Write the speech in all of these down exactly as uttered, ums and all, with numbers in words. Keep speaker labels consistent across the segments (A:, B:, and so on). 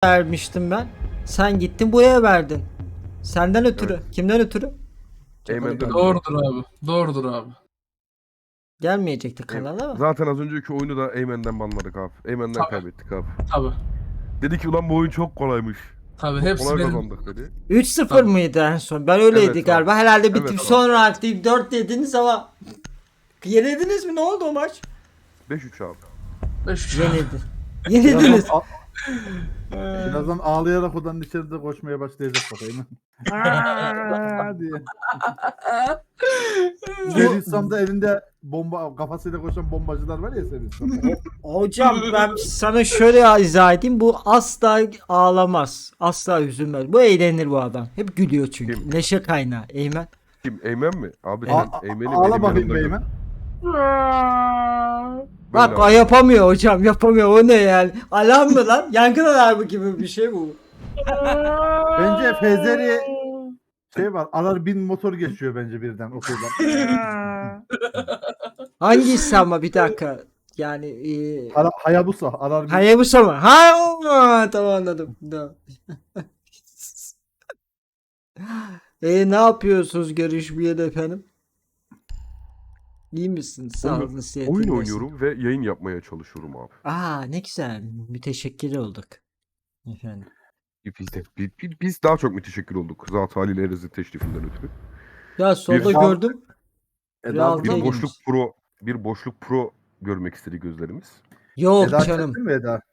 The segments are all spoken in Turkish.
A: vermiştim ben. Sen gittin buraya verdin. Senden ötürü.
B: Evet.
A: Kimden ötürü?
B: Eymen'den
C: Doğrudur abi. Doğrudur abi.
A: Gelmeyecekti
B: Eymen.
A: kanala ama.
B: Zaten az önceki oyunu da Eymen'den banladık abi. Eymen'den
C: Tabii.
B: kaybettik abi.
C: Tabi.
B: Dedi ki ulan bu oyun çok kolaymış.
C: Tabi
B: Çok
C: hepsi
B: kolay
C: benim.
B: kazandık dedi.
A: üç sıfır
C: Tabii.
A: mıydı en son? Ben öyleydi
B: Evet
A: galiba.
B: abi.
A: Herhalde bitip
B: Evet abi.
A: sonra artık dört dediniz ama yenildiniz mi? Ne oldu o maç?
B: beş üç abi.
C: Beş.
A: Yenildi. Yenildiniz.
D: Birazdan, a- birazdan ağlayarak odanın içeride koşmaya başlayacak bakayım. Aa diye. Seristan'da elinde bomba kafasıyla koşan bombacılar var ya Seristan'da.
A: Hocam ben sana şöyle izah edeyim. Bu asla ağlamaz. Asla üzülmez. Bu eğlenir bu adam. Hep gülüyor çünkü.
B: Kim?
A: Neşe kaynağı. Eymen.
B: Kim? Eymen mi? Abi
A: Evet.
B: sen Eymen'i
D: Ağla
B: benim
D: bakayım
B: yanımda
D: beymen.
B: gör.
A: Bak
B: Böyle
A: o
B: abi.
A: yapamıyor hocam. Yapamıyor. O ne yani? Alarm mı lan? Yangın alarmı gibi bir şey bu.
D: Bence Fezeri şey var. Alar bin motor geçiyor bence birden okuldan.
A: Hangisi ama bir dakika. Yani e,
D: Ara- Hayabusa. Alar bin.
A: Hayabusa mı? Ha, o- tamam anladım. Tamam. E ne yapıyorsunuz görüşmeyeli efendim? İyi misiniz? Sağ
B: Oyun-
A: olun. sıhhatin
B: Oyun
A: nasıl?
B: oynuyorum ve yayın yapmaya çalışıyorum abi.
A: Aa ne güzel. Müteşekkir olduk. Efendim.
B: Biz de biz, biz- biz daha çok müteşekkir olduk. Zat haliyle Erez'i teşrifinden ötürü.
A: Ya solda
B: Bir-
A: gördüm.
D: Eda
A: Real
D: burada
B: Bir
A: Değil
D: mı?
B: boşluk
A: girmiş.
B: pro bir boşluk pro görmek istedi gözlerimiz.
A: Yok
D: Eda
A: canım.
D: çektin mi Eda?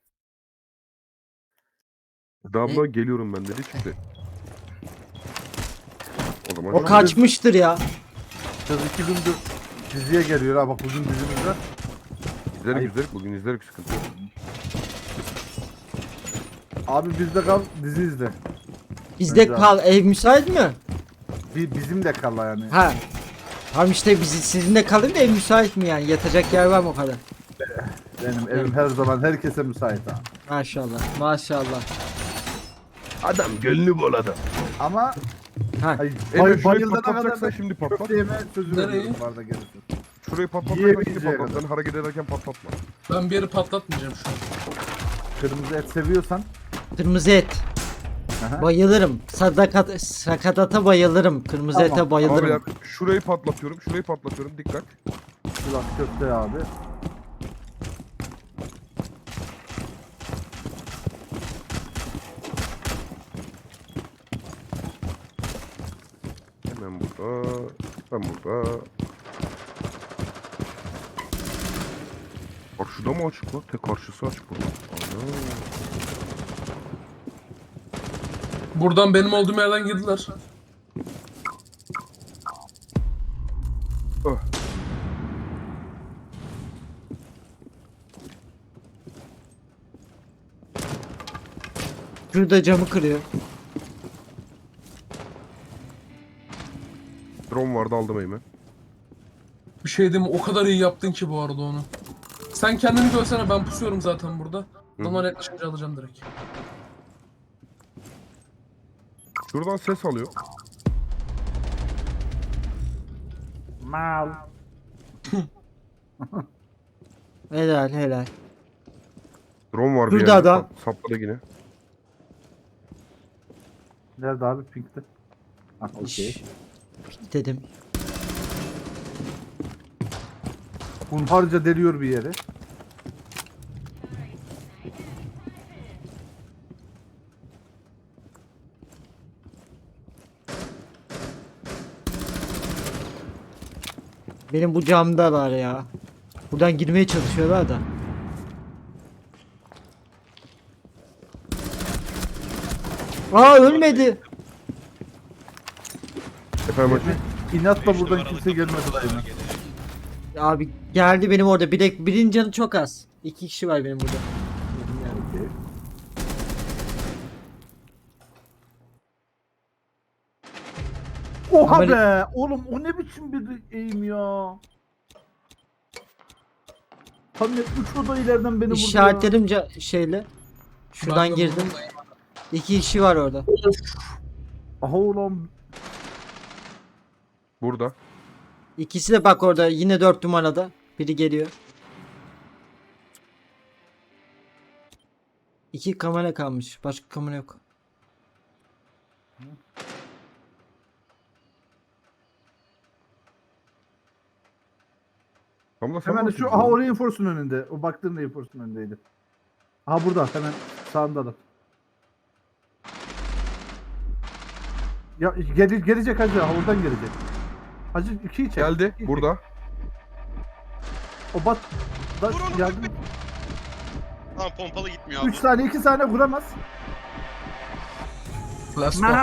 B: Eda abla geliyorum ben dedi çıktı. O zaman
A: O
B: şu-
A: kaçmıştır ya.
D: Kız iki gündür diziye geliyor ha bak bugün dizimiz var.
B: izlerik
D: Ayıp.
B: izlerik bugün izlerik sıkıntı yok.
D: Abi bizde kal dizi izle.
A: Bizde
D: Önce
A: kal. Ev müsait mi?
D: Bir, bizim de kal yani.
A: Ha. Tamam işte bizi sizinle kalayım da ev müsait mi yani? Yatacak yer var mı o kadar?
D: Benim evim her zaman herkese müsait ha.
A: Maşallah. Maşallah.
B: Adam gönlü bol adam.
D: Ama
A: Ha.
D: hayır,
B: Eymen
D: bay,
B: şurayı
D: bayıldana kadar
B: patlatacaksan
D: da
B: şimdi patlat.
D: köfte yeme sözü
C: Nereye?
D: veriyorum bu arada gelirsin.
B: Şurayı patlatacaksan şimdi
D: Yiyebileceği
B: patlat.
D: kadar.
B: Sen hareket ederken patlatma.
C: Ben bir yeri patlatmayacağım şu an.
D: Kırmızı et seviyorsan.
A: Kırmızı et.
D: Aha.
A: Bayılırım. Sadakat, sakatata bayılırım. Kırmızı
D: Tamam.
A: ete bayılırım.
B: Abiler şurayı patlatıyorum. Şurayı patlatıyorum. Dikkat.
D: Kulak köfte abi.
B: Hemen burada. Ben burada. Karşıda mı açık lan? Tek karşısı açık burada. Ana.
C: Buradan benim olduğum yerden girdiler.
B: Ah.
A: Şurada camı kırıyor.
B: Drone vardı aldım Eymen.
C: Bir şey diyeyim mi? O kadar iyi yaptın ki bu arada onu. Sen kendini görsene, ben pusuyorum zaten burada. Adamlar yaklaşınca alacağım direkt.
B: Şuradan ses alıyor.
D: Mal.
A: Helal helal.
B: Drone var bir
A: Şurada
B: yerde.
A: adam.
B: Sap- Sapladı yine.
D: Nerede abi Pink'te? Ah okey.
A: Şşş. Dedim.
D: Hunharca deliyor bir yere.
A: Benim bu camda var ya. Buradan girmeye çalışıyorlar da. Aa ölmedi.
B: Efendim hacı.
D: İnatla buradan kimse gelmedi dayım.
A: Abi geldi benim orada. Bir de birinin canı çok az. İki kişi var benim burada. Yani.
D: Okey. Oha
A: Ameli-
D: be! Oğlum o ne biçim bir eğim ya? Tam ne üç oda ileriden beni vurdu ya.
A: İşaretledim ca- şeyle. Şuradan
C: Ben de
A: girdim.
C: buradayım.
A: İki kişi var orada.
D: Aha ulan.
B: Burada.
A: İkisi de bak orada yine dört numarada. Biri geliyor. İki kamera kalmış. Başka kamera yok.
B: Tam da sen
D: Hemen
B: mi
D: şu
B: atıyorsun
D: aha
B: onu?
D: o reinforce'un önünde. O baktığın reinforce'un önündeydi. Aha burada hemen sağında da. Ya gel, gelecek hacı. Ha, oradan gelecek. Hacı ikiyi çek.
B: Geldi
D: ikiyi çek.
B: burada.
D: O bat da
E: Vur onu,
D: yardım.
E: Tamam pompalı gitmiyor abi.
D: üç saniye iki saniye vuramaz.
C: Let's go.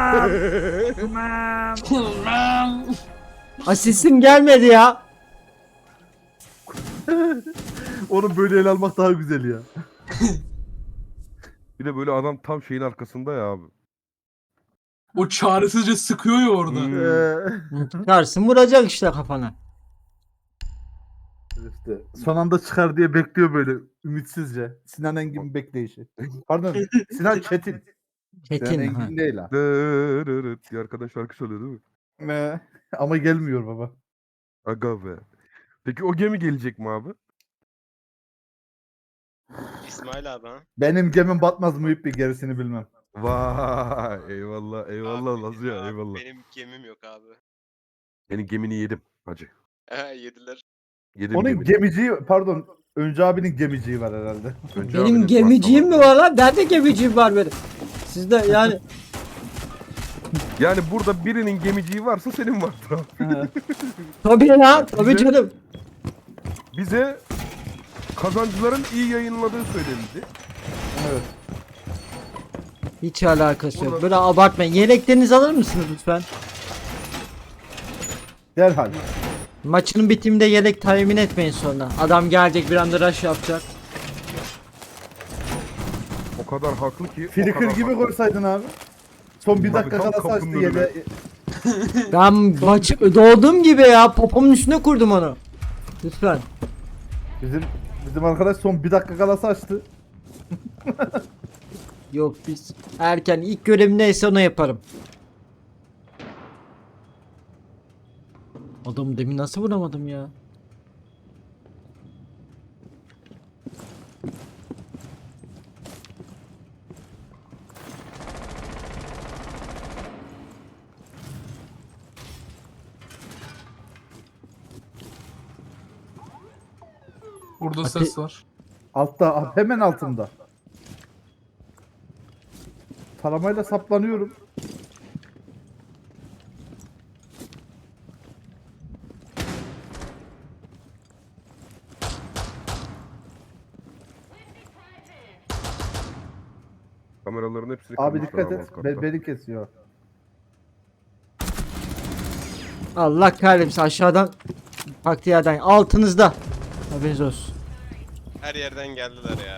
A: Asistim gelmedi ya.
D: Onu böyle ele almak daha güzel ya.
B: Bir de böyle adam tam şeyin arkasında ya abi.
C: O çaresizce sıkıyor ya orada.
B: Hmm.
D: Ee,
A: Çıkarsın vuracak işte kafana.
D: işte son anda çıkar diye bekliyor böyle ümitsizce. Sinan Engin bekleyişi. Pardon Sinan Çetin. Sinan
A: Çetin. ha.
D: Engin değil ha.
B: Dırırırt diye arkadaş şarkı söylüyor değil mi?
D: Ee, Ama gelmiyor baba.
B: Aga be. Peki o gemi gelecek mi abi?
E: İsmail abi ha.
D: Benim gemim batmaz Muhip bir gerisini bilmem.
B: Vay eyvallah eyvallah
E: Abi,
B: Lazı ya
E: abi,
B: eyvallah.
E: Benim gemim yok abi.
B: Senin gemini yedim hacı.
E: He yediler.
B: Yedim
D: Onun
B: gemini.
D: gemiciği pardon Önce abinin gemiciği var herhalde.
B: Önce
A: Benim
B: abinin
A: gemiciğim mi
B: başlamak
A: var lan? Ben de gemiciğim var benim. Sizde yani.
B: Yani burada birinin gemiciği varsa senin vardır abi.
A: Tabii ya. Tabii
B: Bize-
A: canım.
B: Bize kazancıların iyi yayınladığı söylenildi.
D: Evet.
A: Hiç alakası yok.
B: Burada-
A: Böyle abartmayın. Yeleklerinizi alır mısınız lütfen?
D: Derhal.
A: Maçın bitiminde yelek tahmin etmeyin sonra. Adam gelecek bir anda rush yapacak.
B: O kadar haklı ki. o
D: Flicker
B: kadar
D: gibi
B: haklı.
D: koysaydın abi. Son bir
B: Tabii,
D: dakika
B: tam
D: kala
B: kapının
D: saçtı
B: önüne.
D: yele.
A: Ben maçı doğduğum gibi ya. Popomun üstüne kurdum onu. Lütfen.
D: Bizim bizim arkadaş son bir dakika kala saçtı.
A: Yok biz erken ilk görevim neyse onu yaparım. Adamı demin nasıl vuramadım ya?
C: Burada
A: Ate-
C: ses var.
D: Altta hemen altında. Taramayla saplanıyorum.
B: Kameraların hepsini
D: Abi
B: kırmışlar
D: dikkat
B: abi
D: et.
B: alt katta.
D: Be- beni kesiyor.
A: Allah kahretsin aşağıdan baktığı yerden altınızda. Haberiniz olsun.
E: Her yerden geldiler ya.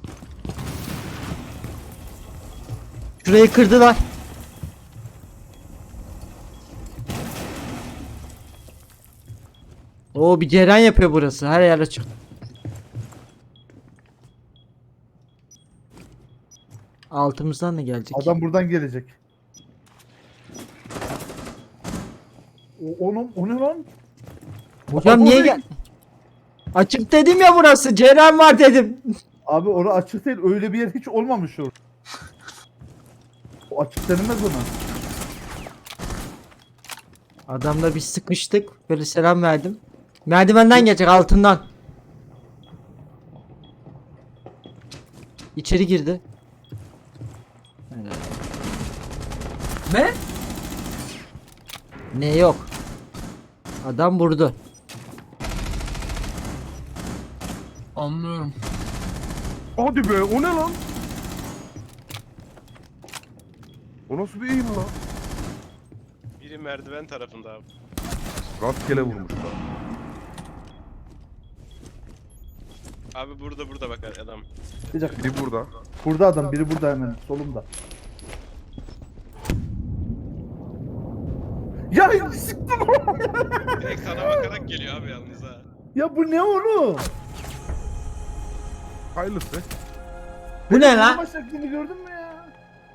A: Şurayı kırdılar. Oo bir ceren yapıyor burası. Her yer açık. Altımızdan da gelecek.
D: Adam buradan gelecek. O, onun, o ne lan?
A: Hocam
D: Abi
A: niye
D: oraya-
A: gel? Açık dedim ya burası. Ceren var dedim.
D: Abi orası açık değil. Öyle bir yer hiç olmamış orada. O açık denilmez ona.
A: Adamla bir sıkıştık. Böyle selam verdim. Merdivenden gelecek altından. İçeri girdi.
C: Ne?
A: Ne yok. Adam vurdu.
C: Anlıyorum.
B: Hadi be o ne lan? O nasıl bir eğim lan?
E: Biri merdiven tarafında abi.
B: Rastgele vurmuşlar.
E: Abi burada burada bak adam.
D: Bir dakika.
B: Biri burada.
D: Burada adam. Biri burada hemen. Solumda. Ya siktir lan!
E: Direkt sana bakarak geliyor abi yalnız ha.
D: Ya bu ne oğlum?
B: Hayırlısı.
A: Bu ne lan?
D: Vurma şeklini gördün mü ya?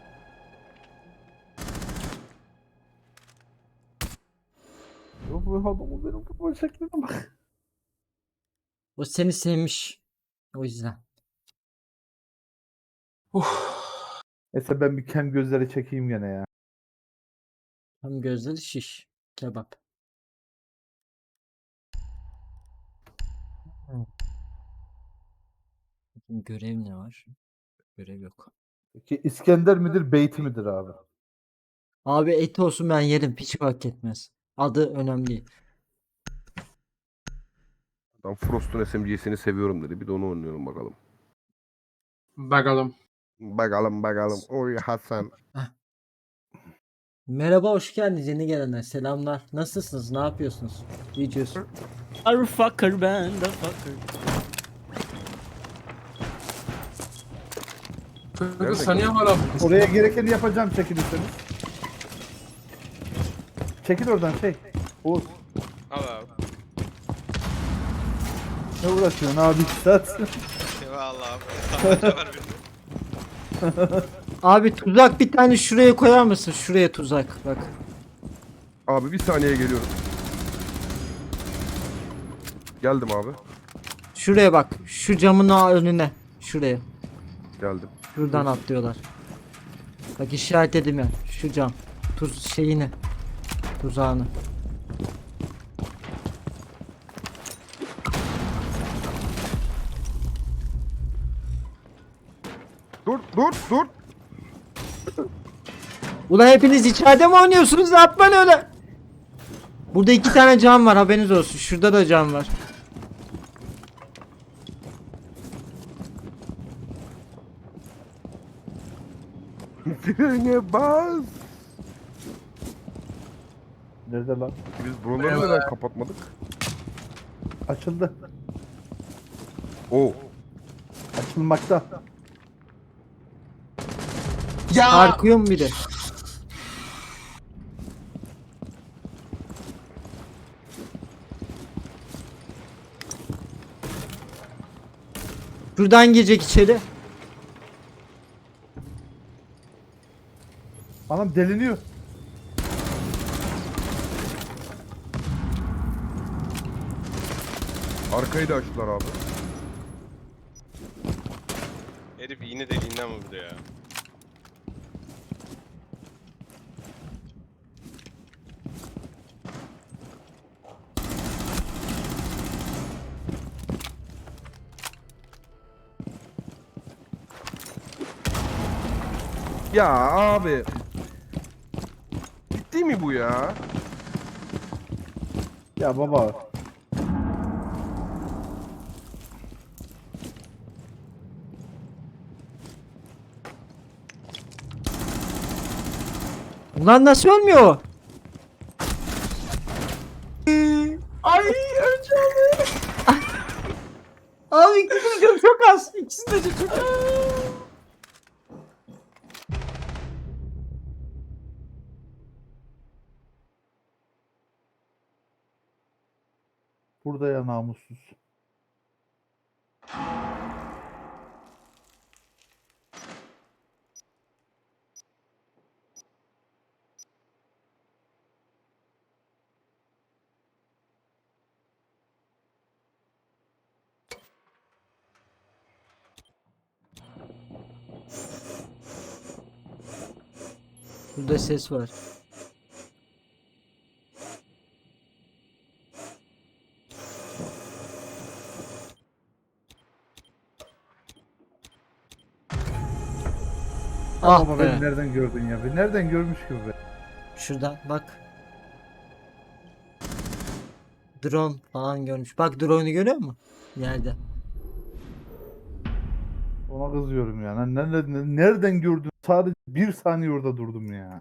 D: Yok bu adamı benim vurma şekline bak.
A: O seni sevmiş. O yüzden.
C: Uf.
D: Neyse ben bir kem gözleri çekeyim gene ya.
A: Hem gözleri şiş. Kebap. Görev ne var? Görev yok.
D: Peki İskender midir, Beyti midir abi?
A: Abi et olsun ben yerim. Hiç fark etmez. Adı önemli değil.
B: Adam Frost'un S M G'sini seviyorum dedi. Bir de onu oynuyorum bakalım.
C: Bakalım.
B: Bakalım bakalım. Oy Hasan.
A: Merhaba, hoş geldiniz yeni gelenler. Selamlar. Nasılsınız? Ne yapıyorsunuz? Videos.
F: Are fucker ben de fucker.
C: Kanka
B: Nerede
C: sen niye hala buradasın?
D: Oraya gerekeni yapacağım çekilirseniz. Çekil oradan şey. Oğuz.
E: Al abi.
D: Ne uğraşıyorsun abi iki saat?
E: Eyvallah abi. Tabanca var birinde.
A: Abi tuzak bir tane şuraya koyar mısın? Şuraya tuzak. Bak.
B: Abi bir saniye geliyorum. Geldim abi.
A: Şuraya bak. Şu camın önüne. Şuraya.
B: Geldim.
A: Şuradan atlıyorlar. Bak işaretledim ya. Şu cam. Tuz şeyini. Tuzağını.
B: Dur dur dur.
A: Ulan hepiniz içeride mi oynuyorsunuz? Yapmayın öyle. Burada iki tane cam var, haberiniz olsun. Şurada da cam var.
B: Frene bas.
D: Nerede lan?
B: Biz buraları neden kapatmadık?
D: Açıldı.
B: Oo.
D: Açılmakta.
C: Ya
A: Sarkıyor mu biri? Şuradan girecek içeri.
D: Anam deliniyor.
B: Arkayı da açtılar abi.
E: Herif iğne deliğinden vurdu ya.
B: Ya abi. Ciddi mi bu ya?
D: Ya baba.
A: Ulan nasıl ölmüyor o? Ay önce abi. Abi ikisi de çok az. İkisi de çok az.
D: Burada ya namussuz.
A: Burada ses var. Ah
D: Baba beni
A: be.
D: nereden gördün ya? Beni nereden görmüş gibi be?
A: Şuradan bak. Drone falan görmüş. Bak drone'u görüyor musun? Yerde.
D: Ona kızıyorum ya. Lan Nereden, nereden gördün? Sadece bir saniye orada durdum ya.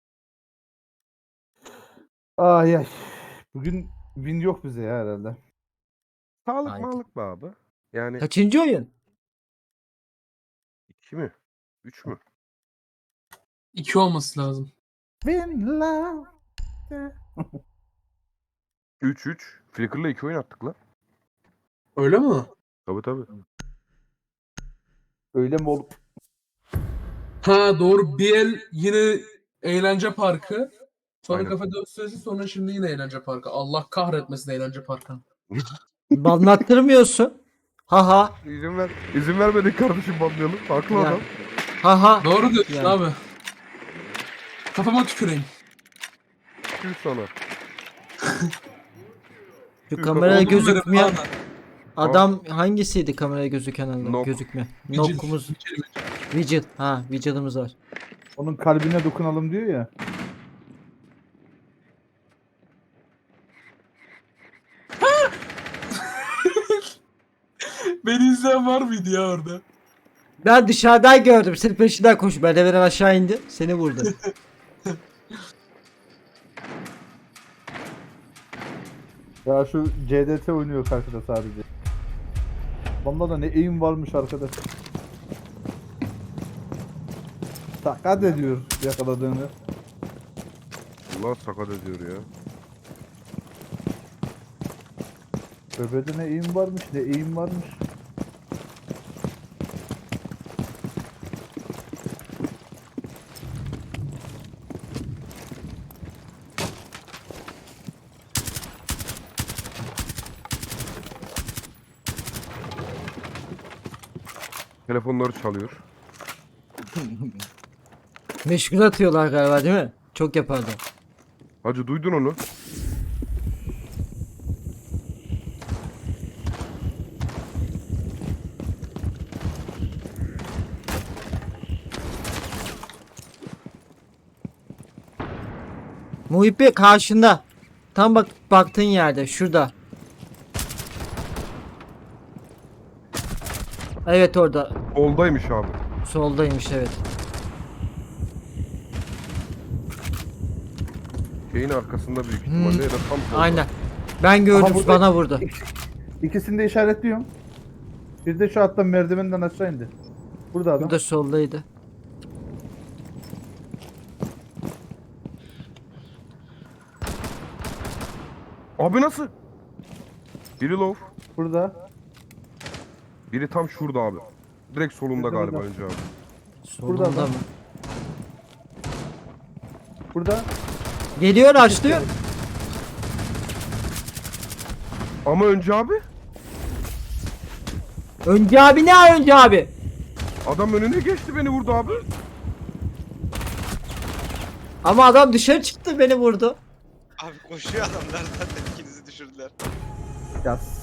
D: Ay ay. Bugün win yok bize ya herhalde.
B: Sağlık
A: Haydi.
B: mağlık be abi. Yani
A: Kaçıncı oyun?
B: iki mi? Üç mü?
C: iki olması lazım.
D: Win love.
B: Üç üç. Flickr'la iki oyun attık lan.
C: Öyle mi?
B: Tabii tabii.
D: Öyle mi olup?
C: Ha doğru. Bir el yine eğlence parkı. Sonra
B: Aynen.
C: kafe dört süresi, sonra şimdi yine eğlence parkı. Allah kahretmesin eğlence parkı.
A: Anlattırmıyorsun. Ha ha.
B: İzin ver. İzin vermedik kardeşim banlayalım. Haklı
A: Ya.
B: adam.
A: Ha ha.
C: Doğru diyorsun
A: Yani.
C: abi. Kafama tüküreyim.
B: Tüh sana.
A: Şu
B: Şu
A: kameraya
C: Oğlum benim,
A: gözükmeyen
C: abi.
A: adam hangisiydi kameraya gözüken adam?
B: Nok.
A: Gözükme.
C: Vigil,
A: Nokumuz.
C: vigil, vigil.
A: Vigil. Ha, Vigil'ımız var.
D: Onun kalbine dokunalım diyor ya.
C: Beni izleyen var mıydı ya orada?
A: Ben dışarıdan gördüm. Senin peşinden koş. Merdivenden aşağı indi. Seni vurdu.
D: Ya şu C D T oynuyor karşıda sadece. Bunda da ne aim varmış arkadaş. Sakat ediyor yakaladığını.
B: Allah sakat ediyor ya.
D: Böbede ne aim varmış ne aim varmış.
B: Telefonları çalıyor.
A: Meşgul atıyorlar galiba değil mi? Çok yapardı.
B: Hacı duydun onu.
A: Muhibbi karşında. Tam bak baktığın yerde. Şurada. Evet orada.
B: Oldaymış abi.
A: Soldaymış evet.
B: Şeyin arkasında büyük ihtimalle ya da tam solda.
A: Aynen. Ben gördüm
D: Aha, burada-
A: bana vurdu.
D: İkisini de işaretliyorum. Bir de şu hatta merdivenden aşağı indi. Burada adam.
A: Bu da soldaydı.
B: Abi nasıl? Biri low.
D: Burada.
B: Biri tam şurada abi. Direkt solunda
D: Burada,
B: galiba
D: burada.
B: önce abi.
A: Solunda
D: adam.
A: mı?
D: Burada.
A: Geliyor açlıyor.
B: Ama önce abi.
A: Önce abi ne önce abi?
B: Adam önüne geçti beni vurdu abi.
A: Ama adam dışarı çıktı beni vurdu.
E: Abi koşuyor adamlar zaten ikinizi düşürdüler.
D: Yaz.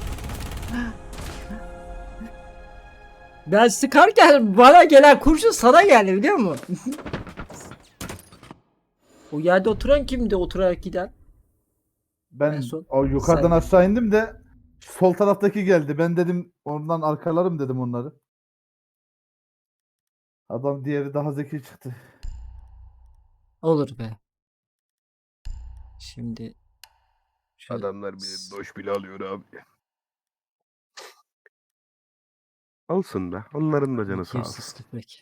A: Ben sıkarken bana gelen kurşun sana geldi biliyor musun? O yerde oturan kimdi oturarak giden?
D: Ben
A: En son
D: o yukarıdan
A: sen-
D: aşağı indim de sol taraftaki geldi. Ben dedim ondan arkalarım dedim onları. Adam diğeri daha zeki çıktı.
A: Olur be. Şimdi şöyle-
B: Adamlar bile doş bile alıyor abi. Alsın be. Onların da canı sağ olsun.
A: Kimsiz tüfek.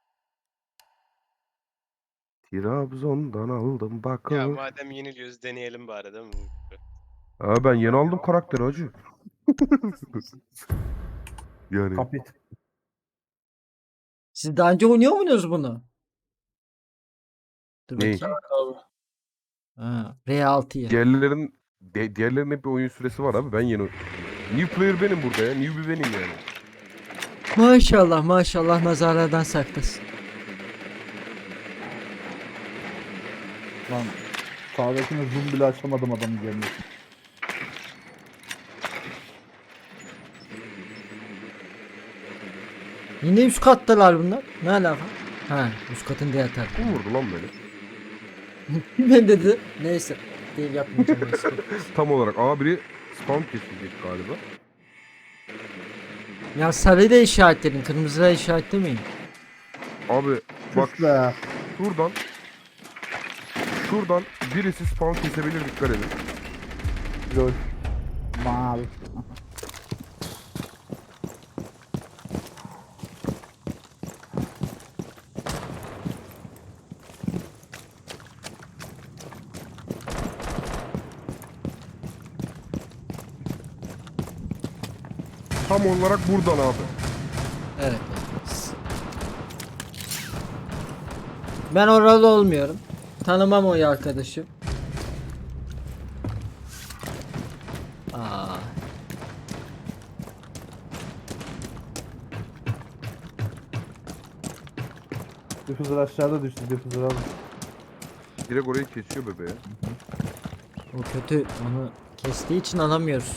B: Trabzon'dan aldım bak.
E: Ya madem yeniliyoruz deneyelim bari değil mi?
B: Ha ben yeni aldım karakteri hacı. Yani
D: Kapit.
A: Siz daha önce oynuyor muydunuz bunu? Dur
B: Neyi?
A: bakayım.
C: Abi.
A: Ha, R altıyı.
B: diğerlerin de, diğerlerinin hep bir oyun süresi var abi. Ben yeni New player benim burada ya. Newbie benim yani.
A: Maşallah maşallah nazarlardan saklasın.
D: Lan sağdakine zoom bile açamadım adamın gelmesi.
A: Yine üst kattalar bunlar. Ne alaka? Ha üst katın diğer tarafı.
B: Kim vurdu lan beni?
A: Ben dedi. Neyse. Değil yapmayacağım. neyse.
B: Tam olarak A biri spawn kesilecek galiba.
A: Ya sarıyla işaretleyin. Kırmızıyla işaretlemeyin.
B: Abi bak
D: Tüh be.
B: şuradan şuradan birisi spawn kesebilir, dikkat edin.
D: Lol. Mal.
B: Tam olarak buradan abi.
A: Evet. Ben oralı olmuyorum. Tanımam o arkadaşı. Aa.
D: Diffuser aşağıda düştü. Diffuser alın.
B: Direkt orayı kesiyor bebeğe.
A: O kötü. Onu kestiği için alamıyoruz.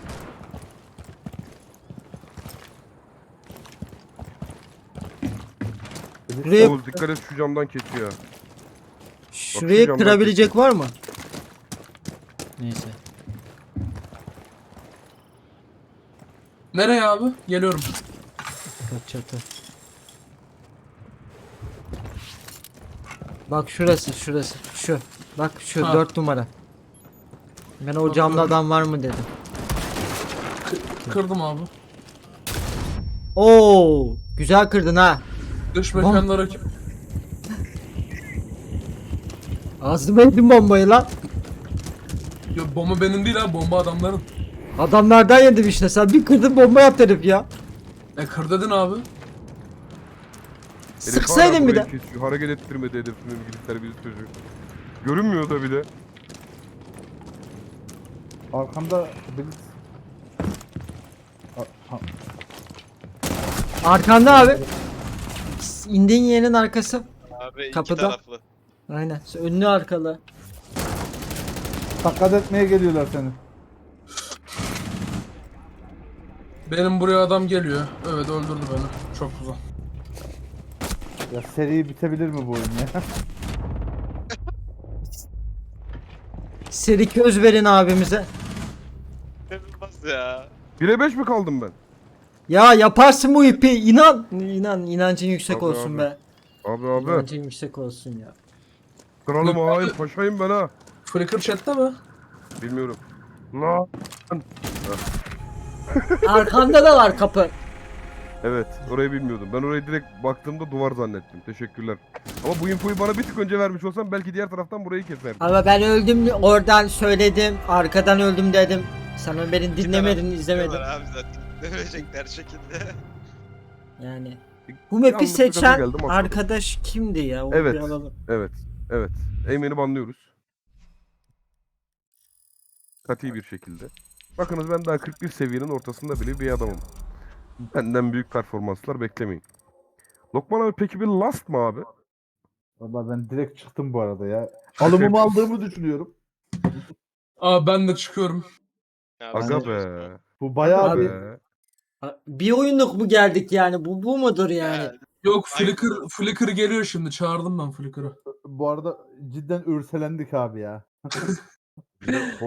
A: Şurayı,
B: Oğuz dikkat et şu camdan kesiyor.
A: şurayı
B: camdan
A: kırabilecek var mı? Neyse.
C: Nereye abi? Geliyorum.
A: Kat çatı. Bak şurası şurası. Şu. Bak şu
C: Ha.
A: dört numara. Ben o camda adam var mı dedim.
C: Kırdım abi.
A: Oo, güzel kırdın ha.
C: Dış mekanda rakip.
A: Ağzıma yedin bombayı lan.
C: Yo, bomba benim değil abi, bomba adamların.
A: Adamlardan yedim işte. Sen bir kırdın bomba yaptın herif ya.
C: E kır dedin abi.
B: Herif
A: Sıksaydın
B: hala
A: bir de.
B: burayı kesiyor. Hareket ettirmedi hedefini İngilizler bizi çocuk. Görünmüyor da bir de.
D: Arkamda Blitz. A- ha-
A: Arkanda abi. İndiğin yerin arkası.
E: Abi iki
A: Kapıda.
E: taraflı.
A: Aynen. Önlü arkalı.
D: Takat etmeye geliyorlar seni.
C: Benim buraya adam geliyor. Evet, öldürdü beni. Çok güzel.
D: Ya seri bitebilir mi bu oyun ya?
A: Seri köz verin abimize.
E: İnanılmaz ya.
B: bire beş mi kaldım ben?
A: Ya yaparsın bu ipi. İnan. İnan. İnancın yüksek
B: Abi,
A: olsun
B: abi.
A: be.
B: Abi abi.
A: İnancın yüksek olsun ya.
B: Kralım
C: Yok,
B: hain
C: abi.
B: paşayım ben ha.
C: Flicker chat'te mi?
B: Bilmiyorum. La.
A: Arkanda da var kapı.
B: Evet orayı bilmiyordum. Ben orayı direkt baktığımda duvar zannettim. Teşekkürler. Ama bu infoyu bana bir tık önce vermiş olsam belki diğer taraftan burayı keserdim.
A: Ama ben öldüm oradan söyledim. Arkadan öldüm dedim. Sen beni dinlemedin,
E: İki taraf
A: izlemedin.
E: diyorlar abi zaten. Dövecekler şekilde.
A: Yani. Bu map'i
B: Yalnız bir gaza
A: seçen
B: geldim, atladım.
A: arkadaş kimdi ya? Onu
B: Evet.
A: bir alalım.
B: Evet. Evet. Eymen'i banlıyoruz. Kati bir şekilde. Bakınız ben daha kırk bir seviyenin ortasında bile bir adamım. Benden büyük performanslar beklemeyin. Lokman abi peki bir last mı abi?
D: Valla ben direkt çıktım bu arada ya. Alımımı aldığımı düşünüyorum.
C: Aa, ben de çıkıyorum.
E: Ya
B: Aga
E: biz
B: be.
E: diyoruz
D: Bu bayağı
A: Abi-
D: bir
B: Be.
A: Ha, bir oyunluk mu geldik yani? Bu bu mudur yani?
E: Ya,
C: Yok, Flicker, Flicker geliyor şimdi. Çağırdım ben Flicker'ı.
D: bu arada cidden ürselendik abi ya.